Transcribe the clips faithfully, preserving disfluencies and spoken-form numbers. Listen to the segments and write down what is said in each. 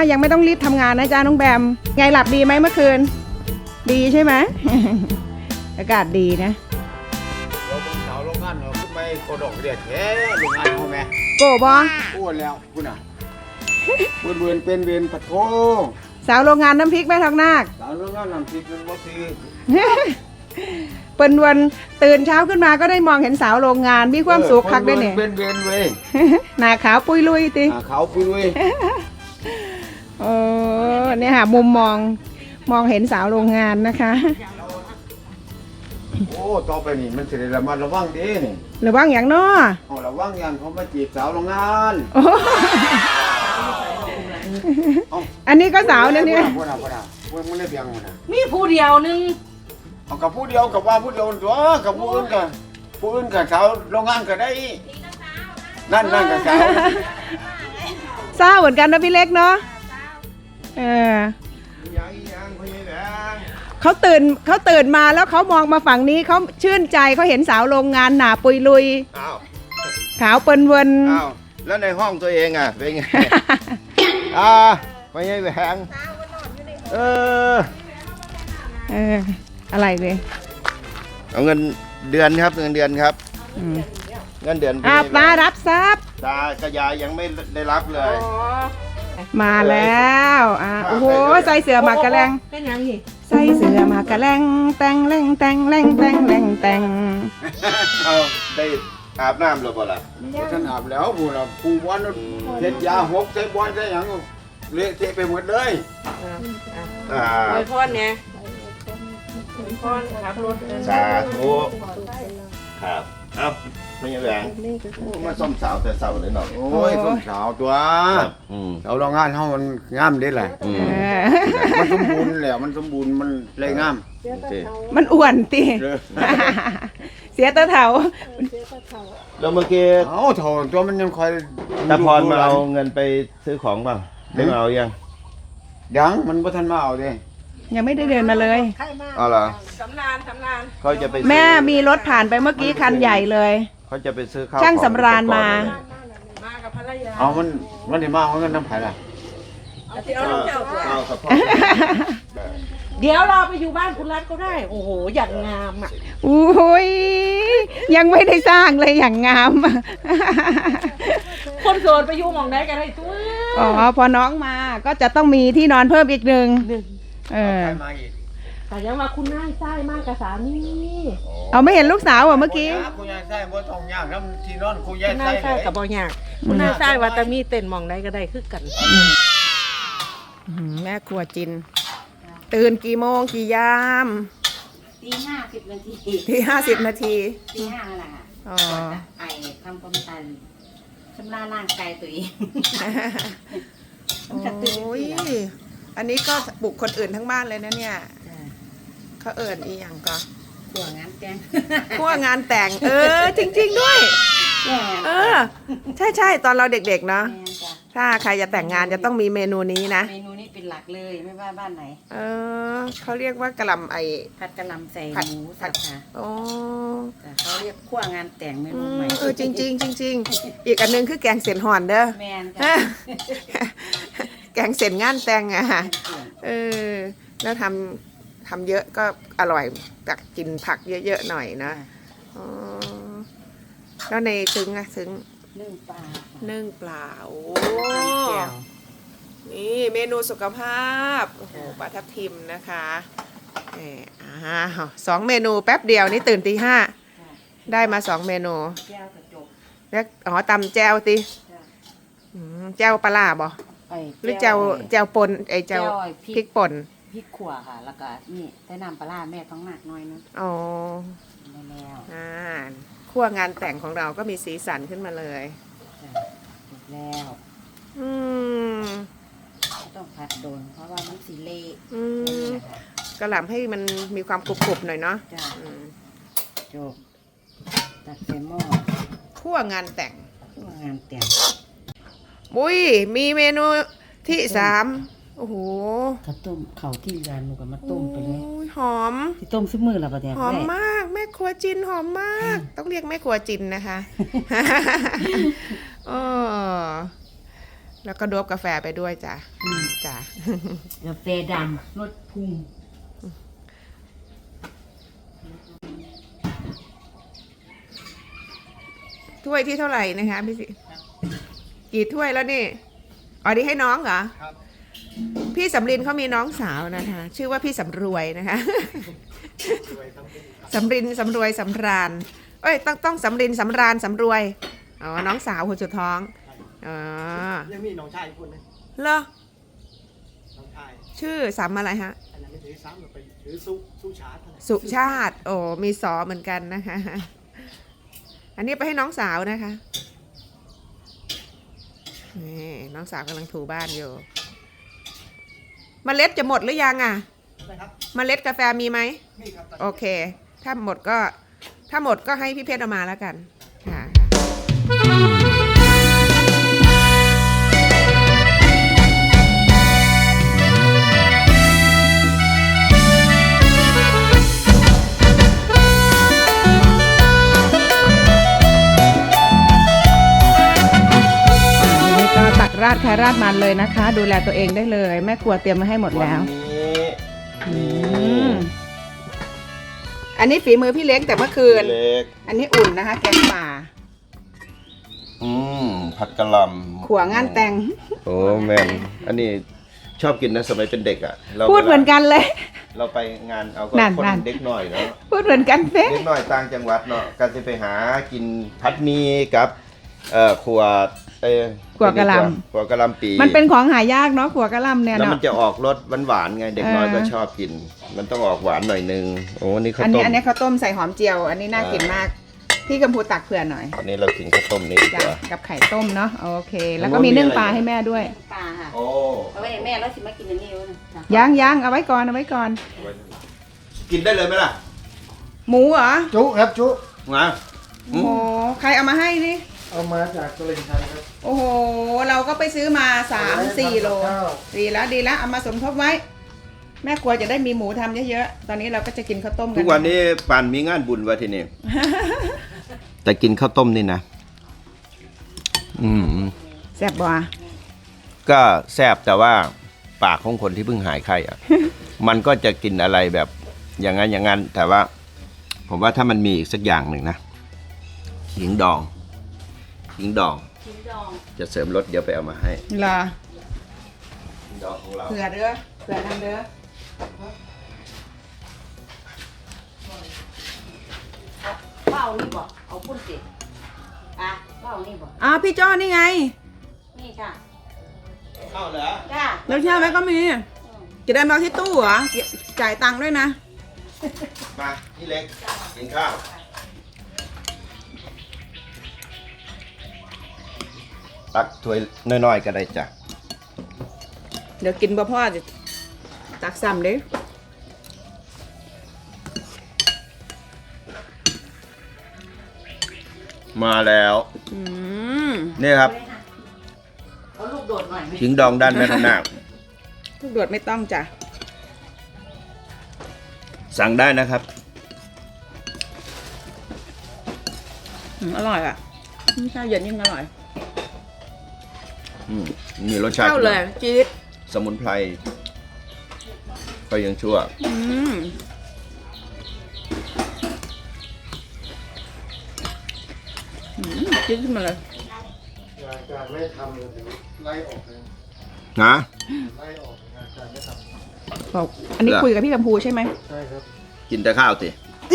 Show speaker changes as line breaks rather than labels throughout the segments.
ยังไม่ต้องรีบทำงานนะจ๊ะน้องแบมไงหลับดีไหมเมื่อคืนดีใช่ไหม อากาศดีนะ
เราบนเสาโรงงานเราขึ้นไปโคดอกเรียดแท้โรงงานเขาแม่
โกบอ
อ้วนแล้วคุณอ่ะเบื่อเบื่อเป็นเวียนปะโถ
สาวโรงงานน้ำพริกแม่ทองนาค
สาวโรงงานน้ำพริกเป็นวัคซีน
เปิ้นวันตื่นเช้าขึ้นมาก็ได้มองเห็นสาวโรงงานมีความสุขคักได้เนี่ย
เป็นเวียนเว้ย
หน้าขาวปุยลุยติ
หน้าขาวปุยลุย
เออเนี่ยค่ะมุมมองมองเห็นสาวโรงงานนะคะ
โอ้ต่อไปนี่มันจะได้ระมัดระวังดีนี่
ระวังอย่างน้อ
เอาระวังอย่างเขามาจีบสาวโรงงาน
อันนี้ก็สาวนะเนี่ย
พูดนะพูดนะพูดมันเรียบยังมันนะ
มีผู้เดียวนึง
เอากับผู้เดียวกับว่าผู้เดียวตัวกับผู้อื่นกันผู้อื่นกับสาวโรงงานก็ได้นั่นนั่นกับสาว
สาวเหมือนกันนะพี่เล็กเนาะเออเขาตื่นเขาตื่นมาแล้วเขามองมาฝั่งนี้เขาชื่นใจเขาเห็นสาวโรงงานหนาปุยลุยขาวเปิ้นเวิน
อ้าวแล้วในห้องตัวเองอ่ะเป็นไงอ่าไม่ใช่แหวงเออ
เอออะไรเลย
เอาเงินเดือนครับเงินเดือนครับเงินเดือน
อาตารับทรัพย์
ตากระยายยังไม่ได้รับเลย
มาแล้วอ่าโอ้โหใส่เสื้อมากระแลง
เป็นยังอีก
ใส่เสื้อมากระแลงแต่งแรงแต่งแรงแต่งแรงแต่ง
เอาได้อาบน้ำหรือเปล่าท่านอาบแล้วผู้เราผู้วันเทศยาหกใช้บอลใช้ยังเละเทะไปหมดเลย
อ่าไว้พรเนี่ยพรครับรถ
สาธุครับเอ้าไม่ยังแรงมาส้มสาวแต่สาวเลยเนาะโอ้ยส้มสาวตัวเราลองงานเขามันงามได้เลยมันสมบูรณ์แล้วมันสมบูรณ์มันเลยงาม
มันอ้วนตีเสียตาเถา
แล้วเมื่อกี้เอ้าเถาตัวมันยังคอยตาพรมาเอาเงินไปซื้อของบ้างได้มาเอายังยังมันบ่ทันมาเอาดิ
ยังไม่ได้เดินมาเลย
อ๋อเหรอ
สำรานสำราน
เขาจะไป
แม่มีรถผ่านไปเมื่อกี้คันใหญ่เลย
เขาจะไปซื้อข้าว
ช่างสำราญมา
มากับภรรยา
เอามันมันได้มาเอาเงินน้ำไผ่ล่ะ
เอาน้ำเจ้าเอากับพ่อเดี๋ยวเราไปอยู่บ้านคุณรัฐก็ได้โอ้โหอย่างงามอ่ะ
อุ้ยยังไม่ได้สร้างเลยอย่างงาม
คนโสดไปอยู่หม่องไหนกันได้ตัว
อ๋อพอน้องมาก็จะต้องมีที่นอนเพิ่มอีกหนึ่งเออ
แต่ยังมาคุณน่าใช่มากกับสามี
เอาไม่เห็นลูกสาวอ่ะเมื่อกี้
คุณยายใช่บ่ทองยากน้ำที่นอนคุณยาย
ใช่กับบ่ยากคุณน่าใช่ว่าแต่มีเต้นหม่องไหนก็ได้คือกัน
แม่ครัวจินตื่นกี่โมงกี่ยาม
ตีห้าสิบนาที
ตีห้าสิบนาที
ตีห้าแหละอ๋อไอทำความตันชำระร่างกายตัวเอง
โอ้ยอันนี้ก็ปลุกคนอื่นทั้งบ้านเลยนะเนี่ยเขาเอิญอีหยังก็
ขั่วงานแต่ง
ขั่วงานแต่งเออจริงๆด้วยเออใช่ใช่ตอนเราเด็กๆเนาะถ้าใครจะแต่งงานจะต้องมีเมนูนี้นะ
เมนูนี้เป็นหลักเลยไม่ว่าบ้านไหน
เออเขาเรียกว่ากะหล่ำไอ
ผัดกะหล่ำใส่หมูสับค่ะ
โอ้
เขาเรียกขั่วงานแต่งเมนูใหม่
เออจริงจริงจริงจริงอีกอันนึงคือแกงเสียนห่อนเด้อ
แมนค่ะ
แกงเสียนงานแต่งอ่ะเออแล้วทำทำเยอะก็อร่อยตักกินผักเยอะๆหน่อยนะอ๋อแล้วในซึ้งอะซึ้ง
นึ่งปลา
นึ่งปลาโอ้นี่เมนูสุขภาพโอ้โหปลาทับทิมนะคะเอออ่าสองเมนูแป๊บเดียวนี่ตื่นตีห้าได้มาสองเมนู
แก้วกระจก
แล้วอ๋อตำแจ่วติแจ่วปลาล่าบ่หรือแจ่วแจ่วป่นไอแจ่วพริกป่น
พริกขั่วค่ะแล้วก็นี่ใส่น้ำปลาแม่ต้องหนักน้อยนึง
อ๋อ
แล้ว
อ่าขั้วงานแต่งของเราก็มีสีสันขึ้นมาเลย
แล้ว
อืม
ต้องผัดโดนเพราะว่ามันสีเละ
อืมกระหล่ำให้มันมีความกรุบๆหน่อยเนาะ
จบตัดเซมอ
ขั้วงานแต่ง
ขั้วงานแต่ง
มุ้ยมีเมนูที่สามโอ้โห
ข้าวต้มข้าวที่ร้านหนูก็มาต้มไปเลย
หอม
ที่ต้มซุปมือละประเดี๋ยว
หอมมากแม่ครัวจินหอมมากต้องเรียกแม่ครัวจินนะคะเออแล้วก็โดบกาแฟไปด้วยจ้ะจ้ะ
กาแฟดำรสพุง
ถ้วยที่เท่าไหร่นะคะพี่สิกี่ถ้วยแล้วนี่อ๋อดีให้น้องเหรอพี่สำรินเขามีน้องสาวนะคะ ชื่อว่าพี่สำรวยนะคะ สำรินสำรวยสำราญเอ้ยต้องต้องสำรินสำราญสำรวยอ๋อน้องสาวคนสุดท้องอ๋อ
ยังมีน้องชายอีกคนนึง
เหรอ
น้องชาย
ชื่อสำอะไรฮะ
อันนั้นไม่ถือซ้ำหรอกไปถือสู้สู้ชาร์จเท่านั้น
สุชาติ โอ้มีสอเหมือนกันนะคะ อันนี้ไปให้น้องสาวนะคะนี่น้องสาวกำลังถูบ้านอยู่เมล็ดจะหมดหรือยังอ่ะ
นะครับ
เมล็ดกาแฟมีไหม
นี่ครับ
โอเค ถ้าหมดก็ถ้าหมดก็ให้พี่เพชรเอามาแล้วกันค่ะนี่ก็ตักราดใครราดมันเลยนะคะ ดูแลตัวเองได้เลย แม่ครัวเตรียมมาให้หมดแล้ว
วันนี้
อืมอันนี้ฝีมือพี่เล็กแต่เมื่อคืน
เล็ก
อันนี้อุ่นนะคะ แกงป่า
อืมผัดกะหล่ำ
ขัวงานแต่ง
โอ้แม่นอันนี้ชอบกินนะสมัยเป็นเด็กอ่ะรา
พูดเหมือนกันเลย
เราไปงานเอาก็
นั่น
คน
นั่น
เด็กหน่อยเนาะ
พูดเหมือนกันเป๊ะ
เด็กหน่อยต่างจังหวัดเนาะก็จะไปหากินผัดหมีกับเอ่อขัวเอ้ย
ขัวกะหล่
ขัวกะหล่ำปี
ำมันเป็นของหายากเนาะขัวกะหล่ำเนี่ย
แล้ว
เนาะ
มันจะออกรสหวานๆไงเด็กน้อย
เออ
ก็ชอบกิน มันต้องออกหวานหน่อยนึงโอ้นี่ข้าว
อัน
ต้
นี้
ม
อันนี้ข้าวต้มใส่หอมเจียว อันนี้น่ากินมาก พี่กัมพูตักเผื่อหน่อย
อันนี้เรากินข้าวต้มนี่ดีก
จ้ะ
ว่า
กับไข่ต้มเนาะโอเค แล้ว
แล้
ก็
ว
มี
มี
นึ่ง
อะไร
ปลาให้แม่ด้วย
ปลาค่ะ
โอ้
เอาไว้ให้แม่แล้วสิมากินอันนี้แล้วนะ
ย่างย่างเอาไว้ก่อนเอาไว้ก่อน
กินได้เลยไหมล่ะ
หมูเหรอ
จุครับจุ
มา
โอ้โหใครเอามาให้นี่
เอามาจากตลิ่งชันครับ
โอ้โหเราก็ไปซื้อมาสามสี่โล
ข้าว
ดีแล้วดีแล้วเอามาสมทบไว้ แม่ครัวจะได้มีหมูทำเยอะๆตอนนี้เราก็จะกินข้าวต้มกัน
ทุกวันนี้ป่านมีงานบุญวะทีนี้ แต่กินข้าวต้มนี่นะ อืม
แซ่บบ่
ก็แซ่บแต่ว่าปากของคนที่เพิ่งหายไข้อะ มันก็จะกินอะไรแบบอย่างนั้นอย่างนั้น แต่ว่า ผมว่าถ้ามันมีอีกสักอย่างหนึ่งนะขิงดองขิงดอง
ชิ้นดอง
จะเสริมรสเดี๋ยวไปเอามาให้
เหรอ
ขิงดองของเรา
เผื่อเด้อเผื่อทำเด้อ
เป้านี่บอกเอาพุ่นสิอ่ะเป้านี่บอก
อ้าวพี่จ้อนี่ไง
นี่ค่ะ
เข้าเหรอ
จ้า
แล้วเชื่อไหมก็มี จะได้มาที่ตู้เหรอจ่ายตังค์ด้วยนะ
มาพี่เล็กกินข้าวตักถ้วยน้อยๆก็ได้จ้ะ
เดี๋ยวกินบ่พ่อจะตักซ้ำเด้
มาแล้ว
อืม
นี่ครับ
เอาลูกโดดหน่อยไหม
ขิงดองด้านแม่ทนาค
ทุกโดดไม่ต้องจ้ะ
สั่งได้นะครับ
อืมอร่อยอ่ะนี่ข้าวเย็นยิ่งอร่อย
อืมมีรสชาติ
เข้าเลยจี๊ด
สมุนไพรก็ยังชั่ว
อืมอืมจี๊ดขึ้นมาเลย
งานการไม่ทำเลยเดี๋ยวไล่ออกเลย
นะ
ไล่ออกงานการไม่ท
บอกอันนี้คุยกับพี่กัมพูใช่ไหม
ำใช่ครับ
กินแต่ข้าวสิ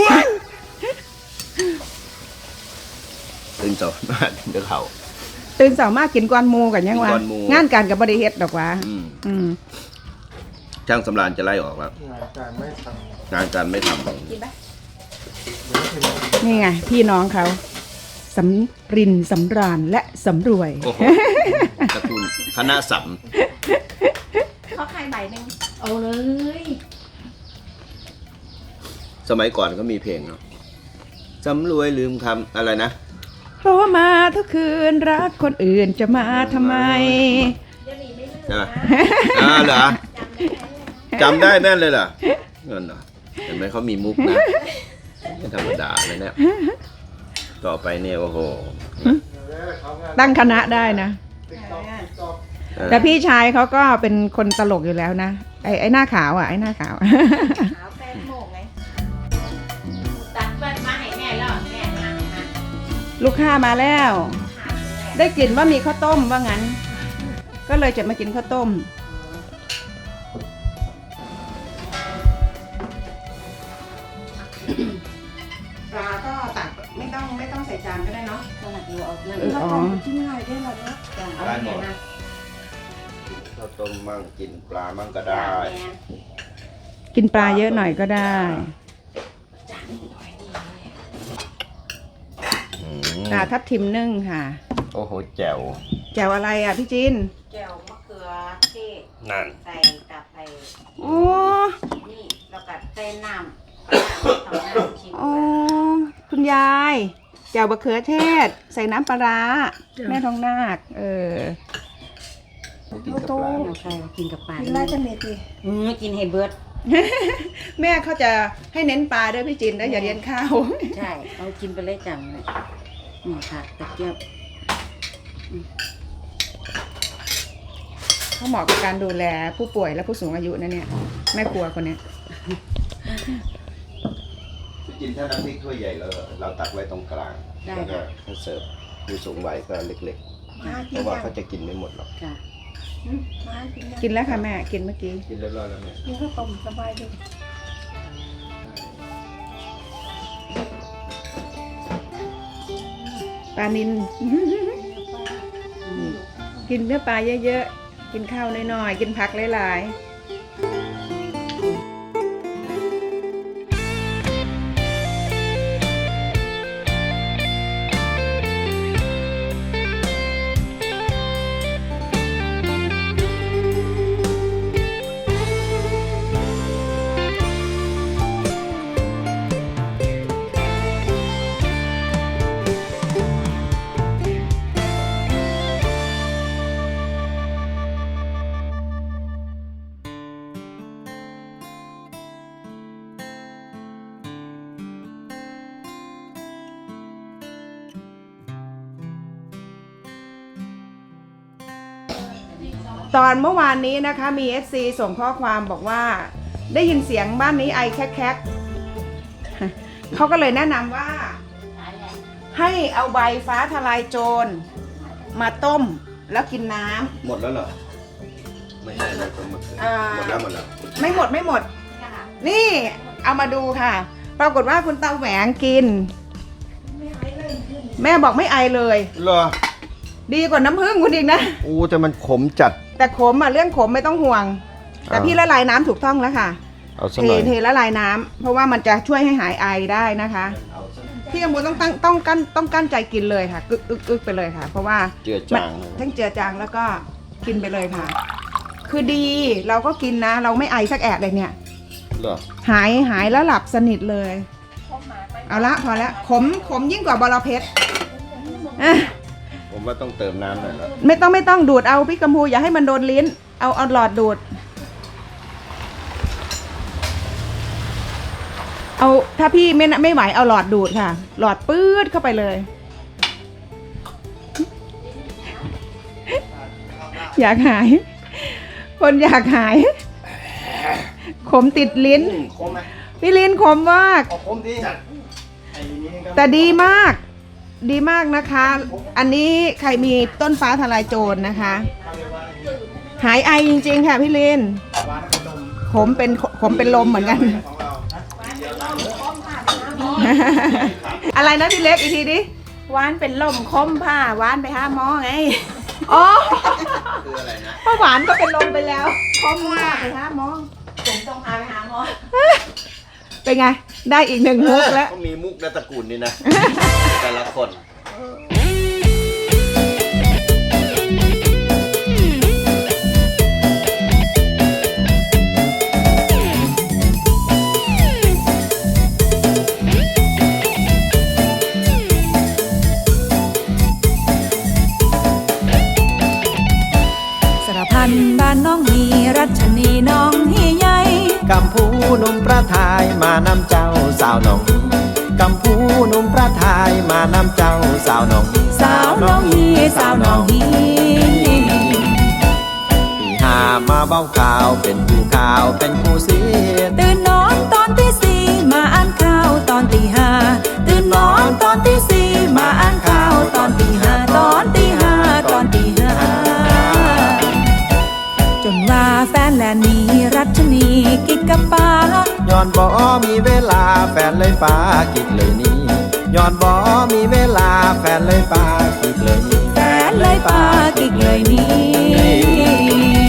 ตื่นสดมากกินแต่ข้าว
ตื่นสามารถกินก้อนหมูกันยังวะ
กินก้อนหมู่
งานการกับบริเฮ็ดดอกวะ
อืม
อืม
ช่างสำราญจะไล่ออกแล้ว
งานการไม่ทำ
งานการไม่ท
กินไหม
เดี๋ยวถึง
นี่ไงพี่น้องเขาสำรินสำราญและสำรวย
ำโอ้โหตระกูลคณะสัม
เขาใครใบหนึ่งเอาเลย
สมัยก่อนก็มีเพลงเนาะสำรวยลืมคำอะไรนะ
เพราะว่ามาทุกคืนรักคนอื่นจะมาทำไม
ใช่ไหมอ่าเหรอจำได้แม่นเลยเหรอเงินเหรอเห็นไหมเขามีมุกนะไม่ธรรมดาเลยเนี่ยต่อไปเนี่ยโอ้โห
แล้วเขางาน
ตั้งคณะได้นะ
ติ๊กต็อกติ๊กต็อก
แต่พี่ชายเขาก็เป็นคนตลกอยู่แล้วนะไอ้ไอ้หน้าขาวอ่ะไอ้หน้าขาว
ขาวแป้งโมกไงตัดแป้งมาให้แม่แล้วแม่มาให้นะ
ลูกค้ามาแล้ว ได้กลิ่นว่ามีข้าวต้มว่างั้น ก็เลยจะมากินข้าวต้มปลาก็ตักไม่ต้องไม่ต้องใส่จานก็ได้เนาะ
ก็หลักอยู่เอานั่น
อ๋อ
กินง่ายได้หรอเนาะเอา
ได้หม
เนี่
ด
ยนะ
ข้าวต้มมั่งกินปลามั่งก็ได้
กินปลาเยอะหน่อยก็ได้
อืม
ปลาทับทิมนึ่งค่ะ
โอ้โหแจ๋ว
แจ่วอะไรอ่ะพี่จิน
แจ่วมะเขือเทศ
นั่น
ใส่กับไอ้
โอ้
นี่แล้วก็ใส่น้ำเอาน้ำชิม
โอ้คุณยายแจ่วบะเขือเทศ ใส่น้ำปลาร้าแม่ทองนาคเออ
กินกับปลา
เอาใครกินกับปลา
กินได้จังเลยที
อืมกินให้เบิด
แม่เขาจะให้เน้นปลาด้วยพี่จินนะอย่าเรียนข้าว
ใช่เอากินไปเลยจังเลยนี่ค่ะตะเกียบ
เขาเหมาะกับการดูแลผู้ป่วยและผู้สูงอายุนะเนี่ยแม่ครัวคนเนี้ย
กินถ้าน้ำพริกถ้วยใหญ่แล้วเราตักไว้ตรงกลางแล้วก็ถ้าเสิร์ฟผู้สูงวัยก็เล็กๆ เพราะว่าเขาจะกินไม่หมดหรอก
ค่ะ
กินแล้วค่ะแม่กินเมื่อกี้
กินเรียบร้อยแล้วเนี่ย
นี่ก็ต้มสบายดี
ปลานิน กินเนื้อปลาเยอะๆกินข้าวน้อยๆกินผักหลายๆ ตอนเมื่อวานนี้นะคะมี เอฟ ซี ส่งข้อความบอกว่าได้ยินเสียงบ้านนี้ไอแคกๆเขาก็เลยแนะนำว่า ให้เอาใบฟ้าทลายโจรมาต้มแล้วกินน้ำ
หมดแล้วเหรอ ไม่ใช่แล้วก็มาคืน
อ่า
หมดแล้วหมดแล้ว
ไม่หมดไม่หมด นี่เอามาดูค่ะ ปรากฏว่าคุณตาแหวงกิน แม่บอกไม่ไอเลย
เหรอ
ดีกว่าน้ำผึ้งคุณอีกนะ
อู้แต่มันขมจัด
แต่ขมอ่ะเรื่องขมไม่ต้องห่วง แต่
อ่า
พี่ละลายน้ำถูกต้องแล้วค่ะ
เอาสัก
เท
หน่อย
เทละลายน้ำเพราะว่ามันจะช่วยให้หายไอได้นะคะ พี่กำบูต้องตั้งต้องกั้นต้องกั้นใจกินเลยค่ะกึกอึกอึกไปเลยค่ะ เพราะว่า
เจือจาง
มันทั้งเจือจางแล้วก็กินไปเลยค่ะ คือดีเราก็กินนะ เราไม่ไอสักแอะเลยเนี่ย
เหรอ
หายหายแล้วหลับสนิทเลย เอาละพอละขมขมยิ่งกว่าบอระเพ็ดอ่ะ
ผมว่าต้องเติมน้ำหน่อยแล้ว
ไม่ต้องไม่ต้องดูดเอาพี่กัมพูอย่าให้มันโดนลิ้น เอาเอาหลอดดูด เอาถ้าพี่ไม่ไม่ไหวเอาหลอดดูดค่ะ หลอดปื๊ดเข้าไปเลย อยากหาย คนอยากหาย ขมติดลิ้น
ขมไหม
พี่ลิ้นขมมาก
ขมดีจัด
แต่ดีมาก ดีมากนะคะ อันนี้ใครมีต้นฟ้าทลายโจรนะคะ หายไอจริงๆค่ะพี่ลินขมเป็นขมเป็นลมเหมือนกัน อะไรนะพี่เล็กอีกทีดิ
หวานเป็นลมคมผ้าหวานไปหาหมอไง
อ๋อ
คืออะไรนะ
ป้าหวานก็เป็นลมไปแล้ว
คมผ้าไปหาหมอผมต้องพาไปหาหมอ
เป็นไง ได้อีกหนึ่งมุกแล้ว
ก็มีมุกในตระกูลนี่นะ แต่ละคน
สารพันบ้านน้องฮีรัชนีน้องฮีใหญ่
กำพูหนุ่มประทายมานำเจ้าสาวหนองกำพูหนุ่มประทายมานำเจ้าสาวหนอง
สาวน้องฮีสาวน้องฮี
มาเบ้าข่าวเป็นผู้ข่าวเป็นผู้เสียด
ตื่นนอนตอนที่สี่มาอ่านข่าวตอนตีห้าตื่นนอนตอนที่สี่มาอ่านข่าวตอนตีห้าตอนตีห้าตอนตีห้าจนว่าแฟนแลนนี้รัชนีกิกกับป้า
ย้อนบ่มีเวลาแฟนเลยปากิกเลยนี่ย้อนบ่มีเวลาแฟนเลยปากิกเลยนี่
แฟนเลยปากิกเลยนี่